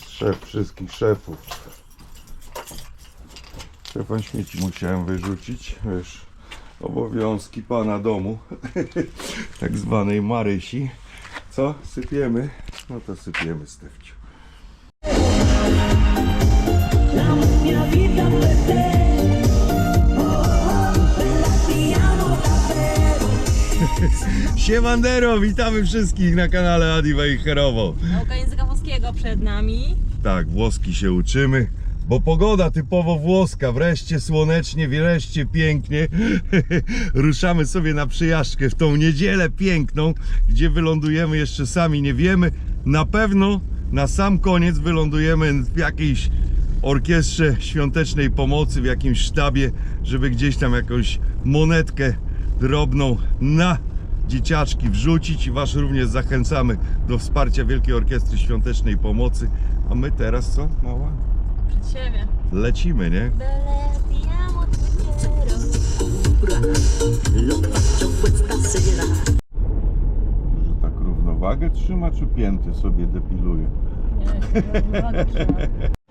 Szef wszystkich szefów. Szefa śmieci musiałem wyrzucić, wiesz, obowiązki pana domu, tak zwanej Marysi. Co? Sypiemy? No to sypiemy, Stefciu. Siemandero, witamy wszystkich na kanale Adi Wejherowo. Nauka języka włoskiego przed nami. Tak, włoski się uczymy, bo pogoda typowo włoska, wreszcie słonecznie, wreszcie pięknie. Ruszamy sobie na przejażdżkę w tą niedzielę piękną, gdzie wylądujemy jeszcze sami nie wiemy. Na pewno na sam koniec wylądujemy w jakiejś orkiestrze świątecznej pomocy, w jakimś sztabie, żeby gdzieś tam jakąś monetkę drobną na dzieciaczki wrzucić i was również zachęcamy do wsparcia Wielkiej Orkiestry Świątecznej Pomocy. A my teraz co, mała? Przed siebie. Lecimy, nie? Że tak równowagę trzyma, czy pięty sobie depiluje? Nie, równowagę trzyma.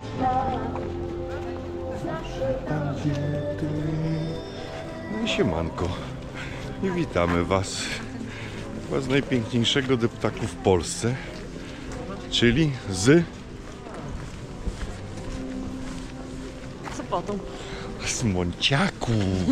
No i siemanko. I witamy was. Chyba z najpiękniejszego deptaku w Polsce. Czyli z Sopotu. Monciaku.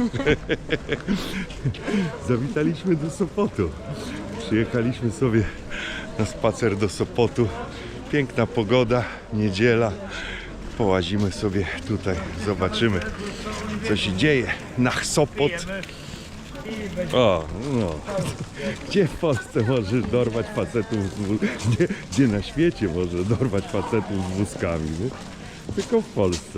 Zawitaliśmy do Sopotu. Przyjechaliśmy sobie na spacer do Sopotu. Piękna pogoda, niedziela. Połazimy sobie tutaj, zobaczymy, co się dzieje na Sopot. O, no. Gdzie w Polsce możesz dorwać facetów gdzie na świecie możesz dorwać facetów z wózkami, nie? Tylko w Polsce.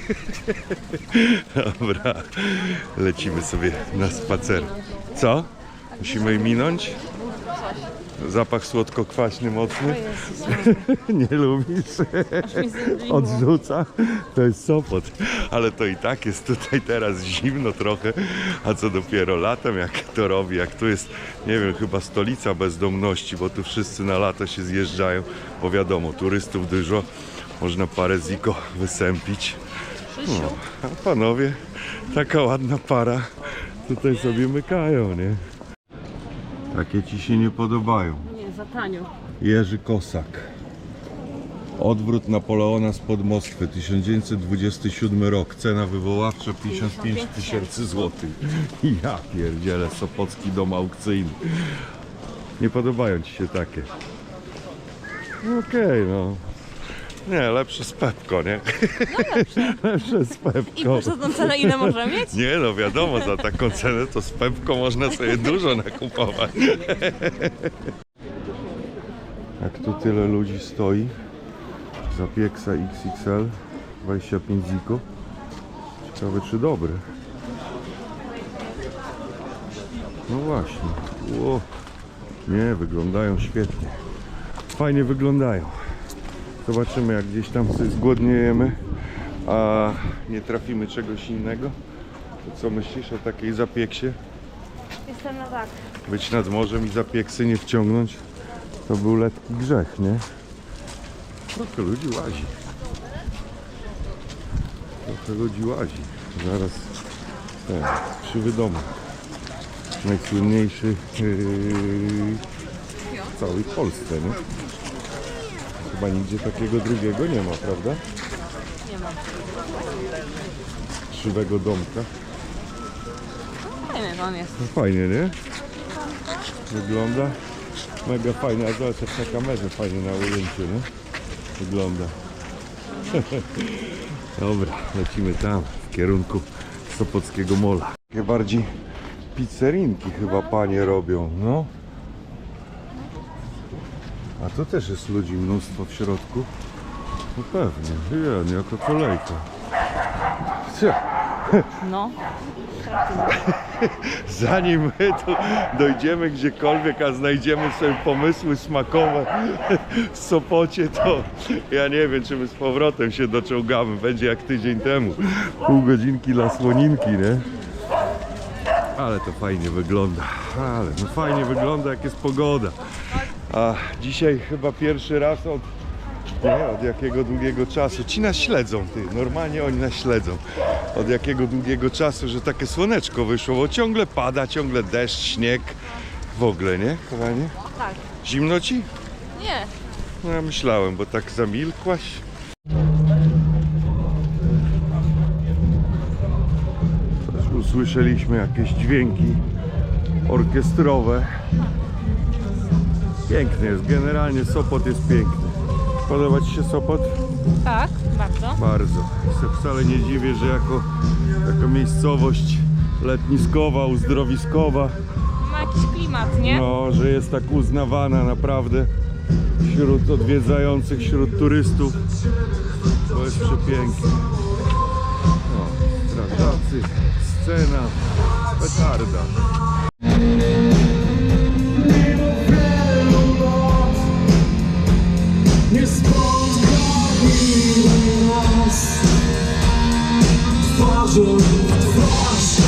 Dobra, lecimy sobie na spacer. Co? Musimy minąć? Zapach słodko-kwaśny mocny? Nie lubisz? Odrzuca? To jest Sopot. Ale to i tak jest tutaj teraz zimno trochę. A co dopiero latem, jak to robi, jak tu jest, nie wiem, chyba stolica bezdomności, bo tu wszyscy na lato się zjeżdżają. Bo wiadomo, turystów dużo. Można parę ziko wysępić. No, a panowie, taka ładna para tutaj sobie mykają, nie? Takie ci się nie podobają. Nie, za tanio. Jerzy Kosak. Odwrót Napoleona spod Moskwy, 1927 rok. Cena wywoławcza 55 000 złotych. Ja pierdzielę, Sopocki dom aukcyjny. Nie podobają ci się takie? Okej, no. Nie, lepsze z Pepko, nie? No lepsze. Lepsze z Pepko. I proszę tą cenę ile może mieć? Nie, no wiadomo, za taką cenę to z Pepko można sobie dużo nakupować. Jak tu tyle ludzi stoi, zapieksa XXL, 25 ziko. Ciekawe, czy dobry. No właśnie. Ło. Nie, wyglądają świetnie. Fajnie wyglądają. Zobaczymy, jak gdzieś tam sobie zgłodniejemy, a nie trafimy czegoś innego. To co myślisz o takiej zapieksie? Jestem na tak. Być nad morzem i zapieksy nie wciągnąć, to był lekki grzech, nie? Trochę ludzi łazi. Trochę ludzi łazi. Zaraz ten, krzywy dom. Najsłynniejszy w całej Polsce, nie? Chyba nigdzie takiego drugiego nie ma, prawda? Nie ma. Krzywego domka. Fajny on jest. No fajnie, nie? Wygląda mega fajnie, a zobacz jak na kamerze fajnie na ujęciu, nie? Wygląda. Dobra, lecimy tam, w kierunku Sopockiego Mola. Takie bardziej pizzerinki chyba panie robią, no. A to też jest ludzi mnóstwo w środku. No pewnie, nie, jako kolejka. No. Zanim my tu dojdziemy gdziekolwiek, a znajdziemy sobie pomysły smakowe w Sopocie, to ja nie wiem, czy my z powrotem się doczołgamy. Będzie jak tydzień temu. Pół godzinki dla słoninki, nie? Ale to fajnie wygląda. Ale no fajnie wygląda, jak jest pogoda. A dzisiaj chyba pierwszy raz od Nie, od jakiego długiego czasu. Ci nas śledzą, ty. Normalnie oni nas śledzą. Od jakiego długiego czasu, że takie słoneczko wyszło, bo ciągle pada, ciągle deszcz, śnieg. W ogóle, nie, kochanie? Tak. Zimno ci? Nie. No ja myślałem, bo tak zamilkłaś. Też usłyszeliśmy jakieś dźwięki orkiestrowe. Piękny jest, generalnie Sopot jest piękny. Podoba ci się Sopot? Tak, bardzo. Bardzo. Ja wcale nie dziwię, że jako miejscowość letniskowa, uzdrowiskowa, Ma jakiś klimat, nie? no, że jest tak uznawana naprawdę wśród odwiedzających, wśród turystów. To jest przepiękne. No, strażacy, scena, petarda. Nie spotkali nas twarzą w twarz.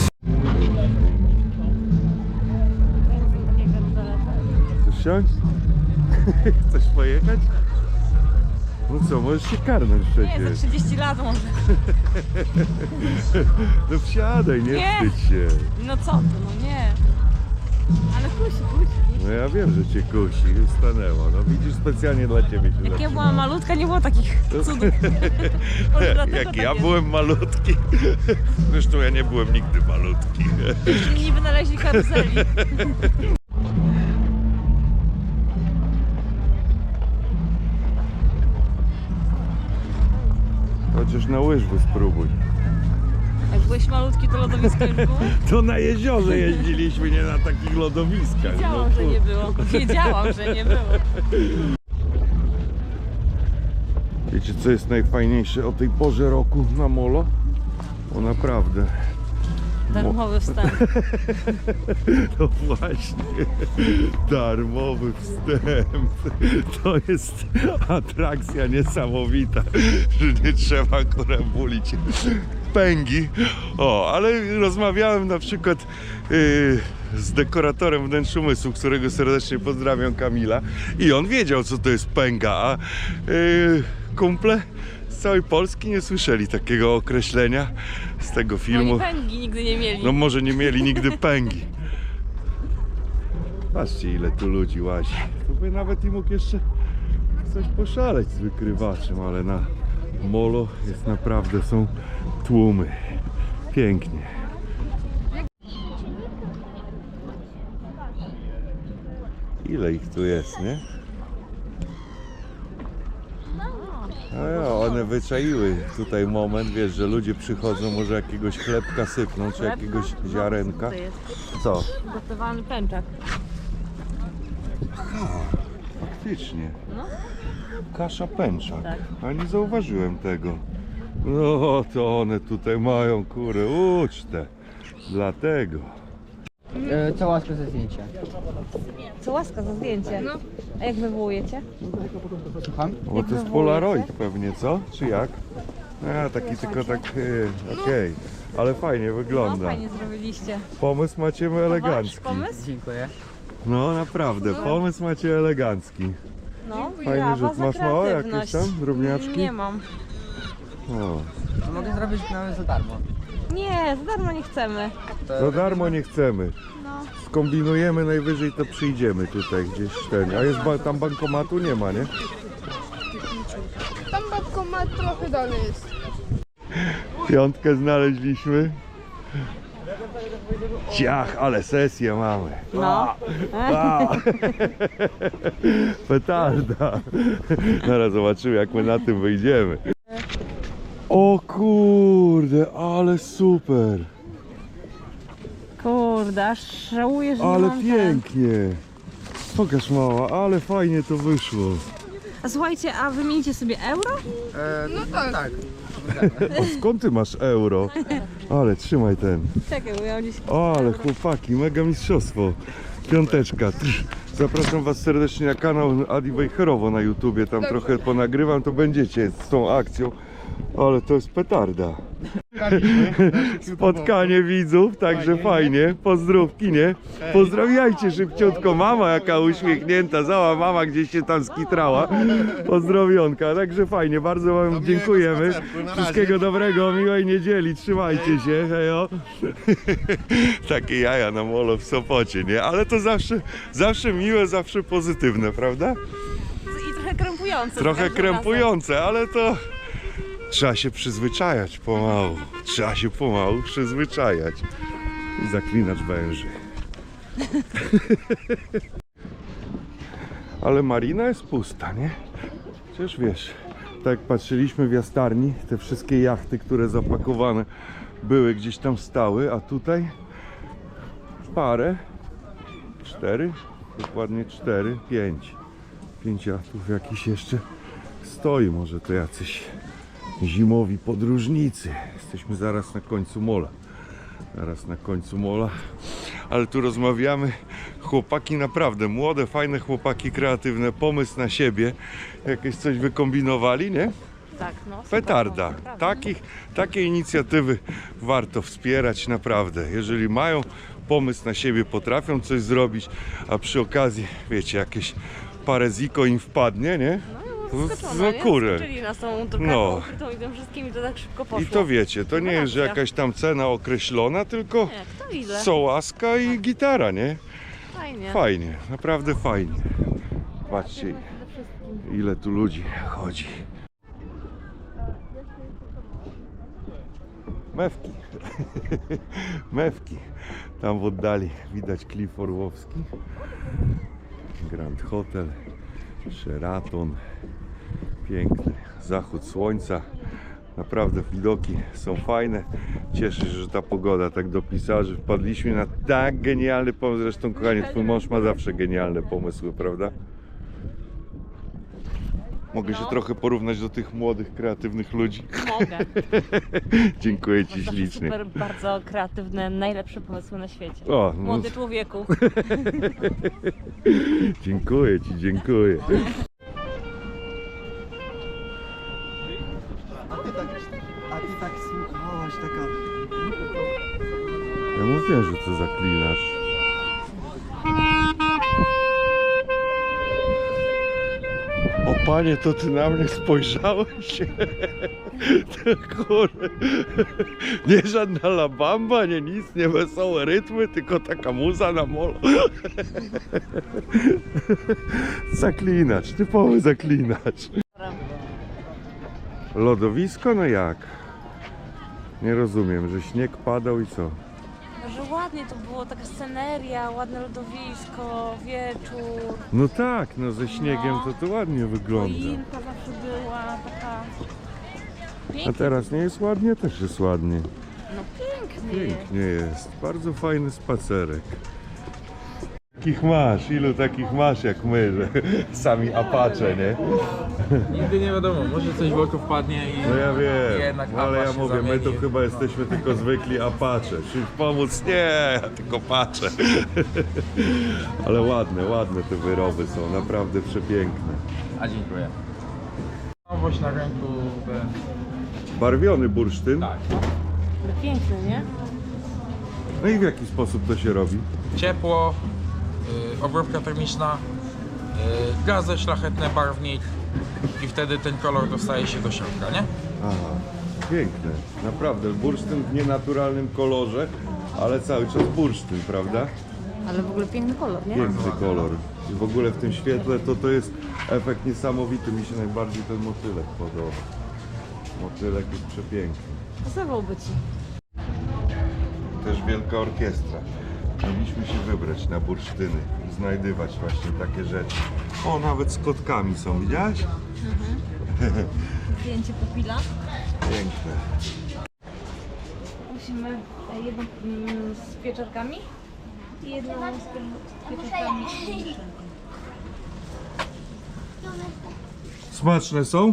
Chcesz siąść? Chcesz pojechać? No co, możesz się karnąć Nie, przecież. za 30 lat może. No wsiadaj, nie Nie. wstydź się. No co ty, no nie. Ale kusi. No ja wiem, że cię kusi, stanęła. No widzisz, specjalnie dla ciebie się Jak ja zatrzymałem. była malutka, nie było takich cudów. Może dlatego Jak tak ja jest. byłem malutki. Zresztą ja nie byłem nigdy malutki. Inni wynaleźli karuzeli. Chociaż na łyżwy spróbuj. Jak byłeś malutki, to lodowisko już było? To na jeziorze jeździliśmy, nie na takich lodowiskach. Wiedziałam, że nie było. Wiedziałam, że nie było. Wiecie, co jest najfajniejsze o tej porze roku na molo? O naprawdę. Darmowy wstęp. No właśnie, darmowy wstęp. To jest atrakcja niesamowita, że nie trzeba bulić pęgi. O, ale rozmawiałem na przykład z dekoratorem Wnętrz Umysłu, którego serdecznie pozdrawiam, Kamila, i on wiedział, co to jest pęga, a kumple z całej Polski nie słyszeli takiego określenia z tego filmu. Oni pęgi nigdy nie mieli. No może nie mieli nigdy pęgi. Patrzcie, ile tu ludzi łazi. To by nawet i mógł jeszcze coś poszaleć z wykrywaczem, ale na molo jest naprawdę, są tłumy. Pięknie. Ile ich tu jest, nie? No ja, one wyczaiły tutaj moment, wiesz, że ludzie przychodzą, może jakiegoś chlebka sypną, czy jakiegoś ziarenka. To jest Co? gotowany pęczak. Faktycznie. No. Kasza pęczak. Tak. A nie zauważyłem tego. No to one tutaj mają, kurę, ucztę. Dlatego. Co łaska ze zdjęcia? Co łaska za zdjęcie. No. A jak wywołujecie? Słucham? Bo to jest Polaroid pewnie, co? Czy jak? A, taki tylko tak, okej. Ale fajnie No wygląda. fajnie zrobiliście. Pomysł macie Wasz elegancki. pomysł? Dziękuję. No naprawdę, pomysł macie elegancki. No. Fajny brawa rzut. za Masz małe jakieś kreatywność. tam drobniaczki? Nie mam. O, To mogę zrobić nawet za darmo. Nie, za darmo nie chcemy. za darmo nie chcemy. No. Skombinujemy, najwyżej to przyjdziemy tutaj gdzieś ten. A jest tam bankomatu? Nie ma, nie? Tam bankomat trochę dalej jest. Piątkę znaleźliśmy. Ciach, ale sesję mamy. No. A! Petarda. Zaraz zobaczymy, jak my na tym wyjdziemy. O kurde, ale super. Kurde, aż żałuję, że nie Ale mam pięknie. Pokaż, mała, ale fajnie to wyszło. A słuchajcie, a wymienicie sobie euro? No tak. O, skąd ty masz euro? Ale trzymaj ten. Czekaj, bo ja gdzieś... Ale chłopaki, mega mistrzostwo. Piąteczka. Zapraszam was serdecznie na kanał Adi Wejherowo na YouTubie. Tam trochę ponagrywam, to będziecie z tą akcją. Ale to jest petarda. Spotkanie widzów, także fajnie. Pozdrówki, nie? Pozdrawiajcie szybciutko. Mama jaka uśmiechnięta, cała mama gdzieś się tam skitrała. Pozdrowionka, także fajnie, bardzo wam dziękujemy. Wszystkiego dobrego, miłej niedzieli, trzymajcie się, hejo. Takie jaja na molo w Sopocie, nie? Ale to zawsze miłe, zawsze pozytywne, prawda? I trochę krępujące. Trochę krępujące, ale to trzeba się przyzwyczajać pomału. Trzeba się pomału przyzwyczajać. I zaklinacz węży. Ale marina jest pusta, nie? Przecież wiesz, tak jak patrzyliśmy w jastarni, te wszystkie jachty, które zapakowane były, gdzieś tam stały, a tutaj parę, 4, dokładnie 4, 5. 5 jachtów jakiś jeszcze stoi, może to jacyś zimowi podróżnicy. Jesteśmy zaraz na końcu mola. Zaraz na końcu mola. Ale tu rozmawiamy. Chłopaki naprawdę młode, fajne chłopaki, kreatywne, pomysł na siebie. Jakieś coś wykombinowali, nie? Tak, no. super, Petarda. no, naprawdę. Takie inicjatywy warto wspierać naprawdę. Jeżeli mają pomysł na siebie, potrafią coś zrobić, a przy okazji, wiecie, jakieś parę ziko im wpadnie, nie? Zaskoczona, nie? kurę. Zaskoczyli nas tą drukarką No. ukrytą i tym wszystkim i to tak szybko poszło. I to wiecie, to nie jest, że Rewelacja. jakaś tam cena określona, tylko Nie, kto ile? co łaska i gitara, nie? Fajnie. Fajnie, naprawdę fajnie. Patrzcie, ile tu ludzi chodzi. Mewki. Mewki. Tam w oddali widać Klif Orłowski. Grand Hotel. Sheraton. Piękny zachód słońca. Naprawdę widoki są fajne. Cieszę się, że ta pogoda tak dopisała, że wpadliśmy na tak genialny pomysł. Zresztą, kochanie, twój mąż ma zawsze genialne pomysły, prawda? Mogę się trochę porównać do tych młodych, kreatywnych ludzi. Mogę. Dziękuję ci Zawsze ślicznie. super, bardzo kreatywne, najlepsze pomysły na świecie. O, no, Młody człowieku. dziękuję ci, dziękuję. A ty tak słuchałaś, taka... Ja mówiłem, że to zaklinasz. O panie, to ty na mnie spojrzałeś? To kurde. Nie żadna La Bamba, nie nic, nie wesołe rytmy, tylko taka muza na molo. Zaklinacz, typowy zaklinacz. Lodowisko? No jak? Nie rozumiem, że śnieg padał i co? Że ładnie to było, taka sceneria, ładne lodowisko, wieczór. No tak, no ze śniegiem to ładnie wygląda. Choinka zawsze była taka... A Pięknie. teraz nie jest ładnie? Też jest ładnie. No pięknie. Pięknie jest. Bardzo fajny spacerek. Takich masz? Ilu takich masz jak my, że sami Apache, nie? Nigdy nie wiadomo, może coś w oko wpadnie i No ja wiem, jednak no ale ja Apache mówię, my to zamieni. chyba jesteśmy tylko zwykli Apache. Czy pomóc? Nie, ja tylko patrzę. Ale ładne te wyroby są, naprawdę przepiękne. A dziękuję. Nowość na rynku, Barwiony bursztyn. tak. Piękny, nie? No i w jaki sposób to się robi? Ciepło, obróbka termiczna, gazy szlachetne, barwnik i wtedy ten kolor dostaje się do środka, nie? Aha, piękne. Naprawdę, bursztyn w nienaturalnym kolorze, ale cały czas bursztyn, prawda? Ale w ogóle piękny kolor, nie? Piękny kolor. I w ogóle w tym świetle to jest efekt niesamowity. Mi się najbardziej ten motylek podoba. Motylek jest przepiękny. Pasowałby ci. Też wielka orkiestra. Mieliśmy się wybrać na bursztyny i znajdywać właśnie takie rzeczy. O, nawet z kotkami są, widziałaś? Zdjęcie pupila. Piękne. Musimy jedną z pieczarkami i jedną z pieczarkami. Smaczne są?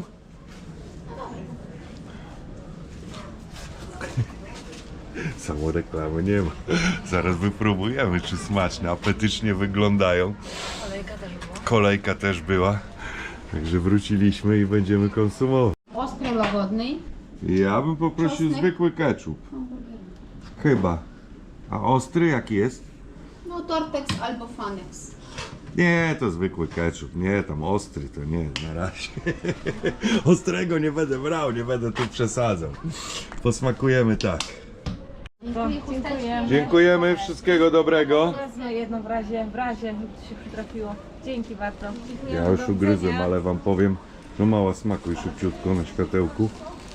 Samo reklamy nie ma. Zaraz wypróbujemy, czy smaczne, apetycznie wyglądają. Kolejka też była. Kolejka też była. Także wróciliśmy i będziemy konsumować. Ostro łagodny, Ja bym poprosił zwykły ketchup. Chyba. A ostry jaki jest? No Tortex albo Fanex. Nie, to zwykły ketchup. Nie, tam ostry to nie, na razie. Ostrego nie będę brał, nie będę tu przesadzał. Posmakujemy tak. Dziękuję. Dziękujemy, wszystkiego dobrego. Wezmę jedno w razie się przytrafiło. Dzięki bardzo. Ja już ugryzłem, ale wam powiem, no mała smakuj szybciutko na światełku.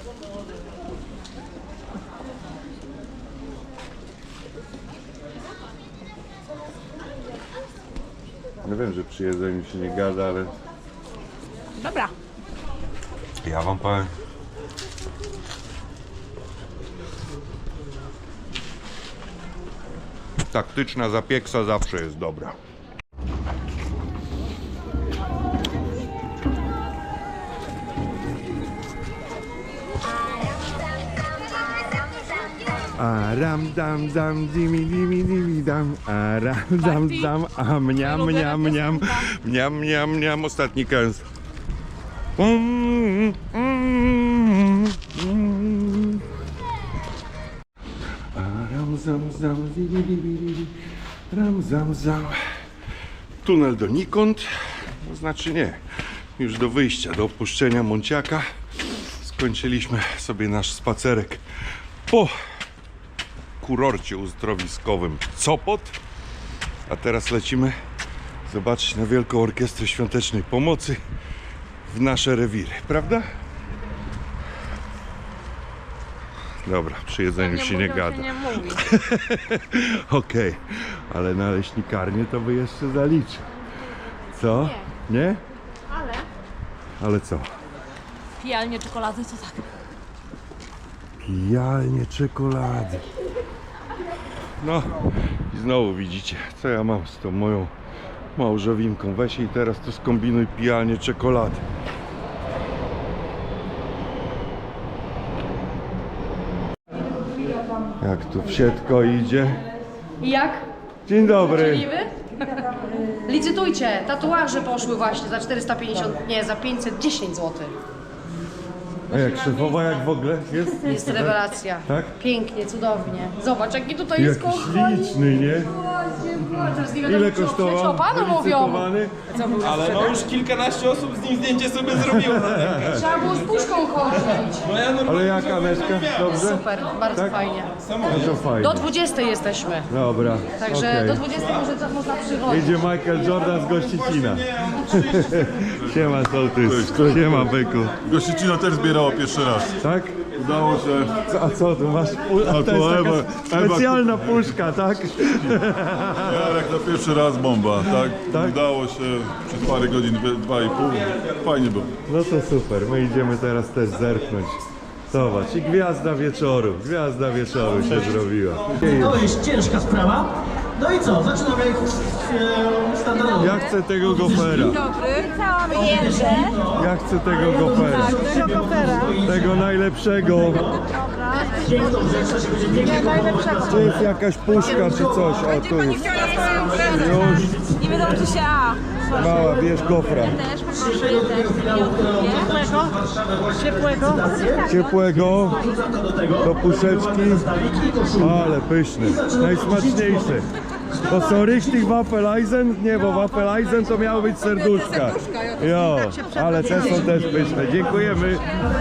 Ja wiem, że przy jedzeniu się nie gada, ale Dobra. ja wam powiem. Taktyczna zapieksa zawsze jest dobra. Aram dam dam dimi dimi dimi dam. Aram dam dam a mniam mniam mniam mniam mniam mniam. Ostatni kęs. Aram zam zam dimi dimi dimi. Ram zam zam. Tunel donikąd. To znaczy nie. Już do wyjścia, do opuszczenia Monciaka. Skończyliśmy sobie nasz spacerek po kurorcie uzdrowiskowym Sopot, a teraz lecimy zobaczyć na Wielką Orkiestrę Świątecznej Pomocy w nasze rewiry, prawda? Dobra, przy jedzeniu się nie gada. Nie mówi. Okej, ale na leśnikarnię to by jeszcze zaliczy. Co? Nie? Ale co? Pijalnie czekolady to tak. Pijalnie czekolady. No i znowu widzicie, co ja mam z tą moją małżowinką. Weź i teraz to skombinuj pijalnie czekolady. Jak tu wsiedko idzie. I jak? Dzień dobry. Możliwy? Licytujcie, tatuaże poszły właśnie za 450, nie, za 510 zł. A jak szefowa, jak w ogóle jest? Jest rewelacja. Tak? Pięknie, cudownie. Zobacz, jaki tutaj jest Jakiś kochani. liczny, nie? Ile kosztował? O panu mówią. Wylicytowany? Ale no już kilkanaście osób z nim zdjęcie sobie zrobiło. Trzeba było z puszką chodzić. Ale jaka Aneczka? Dobrze? Super, bardzo Tak? fajnie. No to fajnie. Do 20 jesteśmy, Dobra, także okej. do 20 można przychodzić. Idzie Michael Jordan z Gościcina. Siema sołtys, siema byku. Gościcino też zbierało pierwszy raz. Tak? Udało się. A co tu masz? A to jest taka specjalna puszka, tak? Jak na pierwszy raz bomba, tak? Tak? Udało się przez parę godzin, 2,5. Fajnie było. No to super, my idziemy teraz też zerknąć. Zobacz, i gwiazda wieczoru się zrobiła. To jest ciężka sprawa. No i co? Zaczynamy standardowo. Ja chcę tego gofera. Ja chcę tego gofera. Tego najlepszego. To jest jakaś puszka czy coś. O, tu jest. Już. Nie wiadomo czy się A. Mała, bierz gofra. Też poproszę ciepłego. Ciepłego. Do puszeczki. Ale pyszny. Najsmaczniejszy. To są richtig Waffeleisen? Nie, bo Waffeleisen to miało być serduszka. Jo, ale te są też pyszne. Dziękujemy.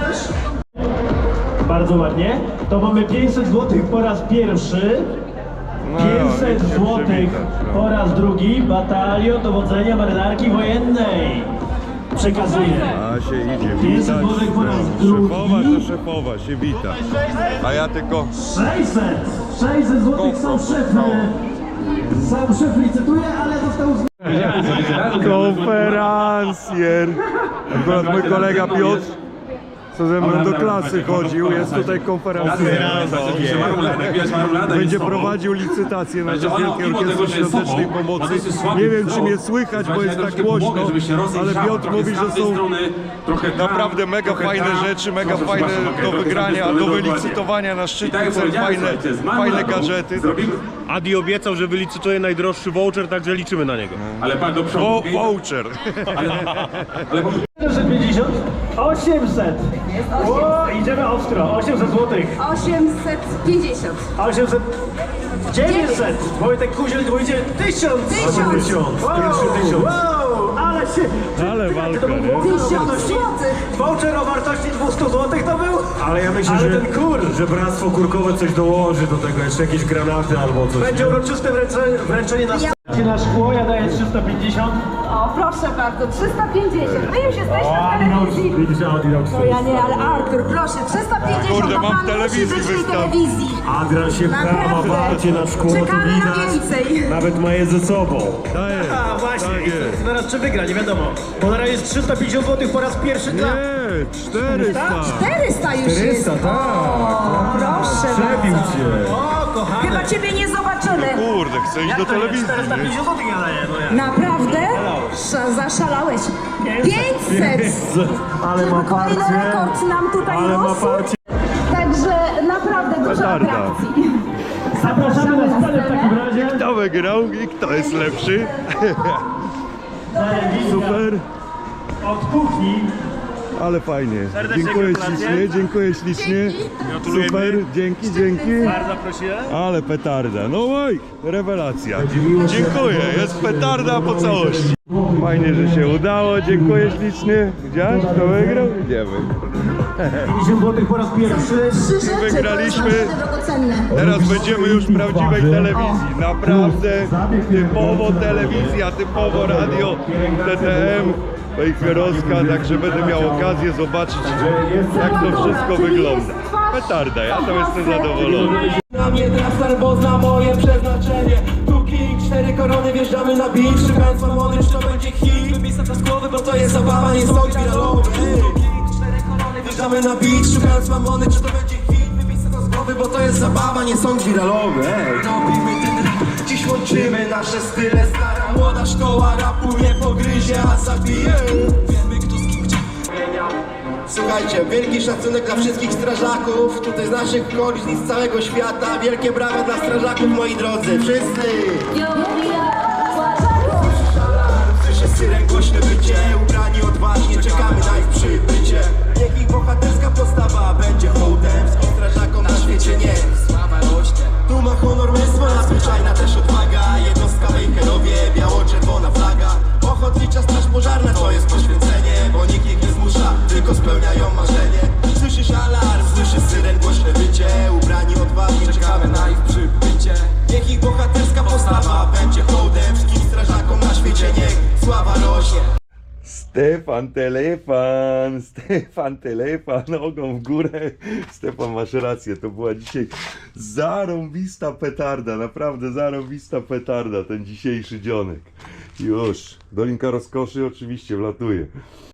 Bardzo ładnie. To mamy 500 zł po raz pierwszy. No, 500 zł po raz drugi. Batalion Dowodzenia Marynarki Wojennej. Przekazuję. A się idzie 500 witać. zł po raz Szefowa to drugi. szefowa się wita. A ja tylko 600 zł sam szef. Sam szef licytuje, ale został konferencjer. Akurat mój kolega Piotr, co ze mną do klasy chodził, jest tutaj konferencjerem. Będzie prowadził licytację na rzecz Wielkiej Orkiestry Świątecznej Pomocy. Nie wiem, czy mnie słychać, bo jest tak głośno, ale Piotr mówi, że są naprawdę mega fajne rzeczy, mega fajne do wygrania, do wylicytowania na szczytny cel, fajne gadżety. Adi obiecał, że wylicytuje najdroższy voucher, także liczymy na niego. Ale pan do przodu. Voucher. 450. 800. O, idziemy ostro. 800 złotych. 850. 800. 900. Wojtek Kuziel dwójdzie 1000. 1000. Pierwszy 1000. Wow, ale się... Ale walka, To był nie? voucher o wartości 200 złotych to był? Ale ja myślę, Ale że, ten kur... że bractwo kurkowe coś dołoży do tego, jeszcze jakieś granaty albo coś. Będzie uroczyste wręczenie na scenie na szkło, ja daję 350. O, proszę bardzo, 350. My już jesteśmy w telewizji. Widzisz, Adrian, No ja nie, ale Artur, proszę, 350 Kurde, to mam pan telewizji musi być w tej wystaw. telewizji. Adrian się pcha, ma Naprawdę. parcie na szkło, to Czekamy na widać. więcej. Nawet ma je ze sobą. Daję. A właśnie, Tak jest. zaraz czy wygra, nie wiadomo. Bo na razie jest 350 zł po raz pierwszy dla... Nie, 400. 400 już 400, jest. tak. O, proszę Przebił bardzo. cię. O, kochane. Chyba ciebie nie zobaczymy. Kurde, chcę iść do Jak to jest? telewizji, nie? 450 zł ja daję, no ja. Naprawdę? Zaszalałeś. 500. Ale ma Kolejny parcie. rekord nam tutaj Ale ma rósł. parcie. Także naprawdę dużo Petarda. atrakcji. Zapraszamy na scenę w takim razie. Kto wygrał i kto jest lepszy? Super, Od kuchni. ale fajnie. Serdecznie Dziękuję gratulacje. ślicznie, dziękuję ślicznie. Super, dzięki, dzięki. Bardzo prosiłem. Ale petarda, no oj, rewelacja. Dziękuję, jest petarda po całości. Fajnie, że się udało, dziękuję ślicznie. Widziałeś, kto wygrał? Idziemy. 50 zł po raz pierwszy. Wygraliśmy. Teraz będziemy już w prawdziwej telewizji. Naprawdę typowo telewizja, typowo radio TTM Wejherowska, także będę miał okazję zobaczyć, jak to wszystko wygląda. Petarda, ja to jestem zadowolony. Na mnie trasar, bo zna moje przeznaczenie. Tu king, 4 korony, wjeżdżamy na beat. Szukając mamony, czy to będzie hit. Wybisa to z głowy, bo to jest zabawa, nie są wiralowe. Tu king, 4 korony, wjeżdżamy na beat. Szukając mamony, czy to będzie hit. Wybisa to z głowy, bo to jest zabawa, nie są wiralowe. Robimy ten rap, dziś łączymy nasze style. Stara młoda szkoła rapu nie pogryzie, a zabije. Wiemy kto z kim gdzie zmienia. Słuchajcie, wielki szacunek dla wszystkich strażaków tutaj z naszych okolic i z całego świata. Wielkie brawa dla strażaków, moi drodzy, wszyscy! Słyszę syren, głośne wycie, ubrani odważnie, czekamy na ich przybycie. Niech ich bohaterska postawa będzie hołdem wszystkim strażakom na świecie, niech sława rośnie. Tu ma honor mnóstwo, nadzwyczajna też odwaga. Jednostka Wejherowie, biało-czerwona flaga. Ochotnicza straż pożarna to jest poświęcenie, bo nikt ich nie zmusza, tylko spełniają marzenie. Słyszysz alarm, słyszysz syren, głośne wycie, ubrani odważnie, czekamy na ich przybycie. Niech ich bohaterska postawa będzie hołdem wszystkim strażakom na świecie, niech sława rośnie. Stefan Telefan, nogą w górę. Stefan, masz rację, to była dzisiaj zarąbista petarda, naprawdę zarąbista petarda, ten dzisiejszy dzionek. Już, Dolinka Rozkoszy oczywiście wlatuje.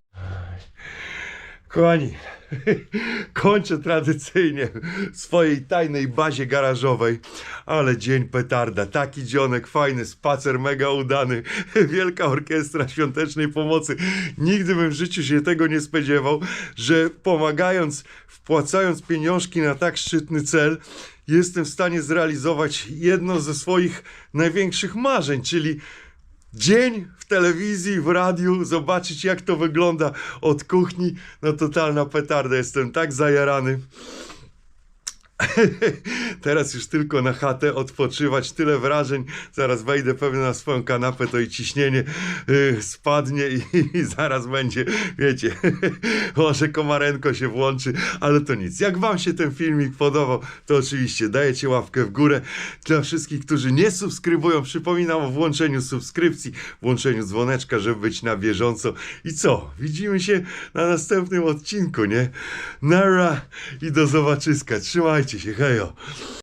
Kochani, kończę tradycyjnie w swojej tajnej bazie garażowej, ale dzień petarda, taki dzionek fajny, spacer mega udany, wielka orkiestra świątecznej pomocy. Nigdy bym w życiu się tego nie spodziewał, że pomagając, wpłacając pieniążki na tak szczytny cel, jestem w stanie zrealizować jedno ze swoich największych marzeń, czyli dzień w telewizji, w radiu, zobaczyć jak to wygląda od kuchni. No totalna petarda, jestem tak zajarany. Teraz już tylko na chatę odpoczywać, tyle wrażeń, zaraz wejdę pewnie na swoją kanapę, to i ciśnienie spadnie i zaraz będzie, wiecie, może komarenko się włączy, ale to nic. Jak wam się ten filmik podobał, to oczywiście dajecie łapkę w górę. Dla wszystkich, którzy nie subskrybują, przypominam o włączeniu subskrypcji, włączeniu dzwoneczka, żeby być na bieżąco. I co? Widzimy się na następnym odcinku, nie? Nara i do zobaczyska. Trzymajcie się, hejo.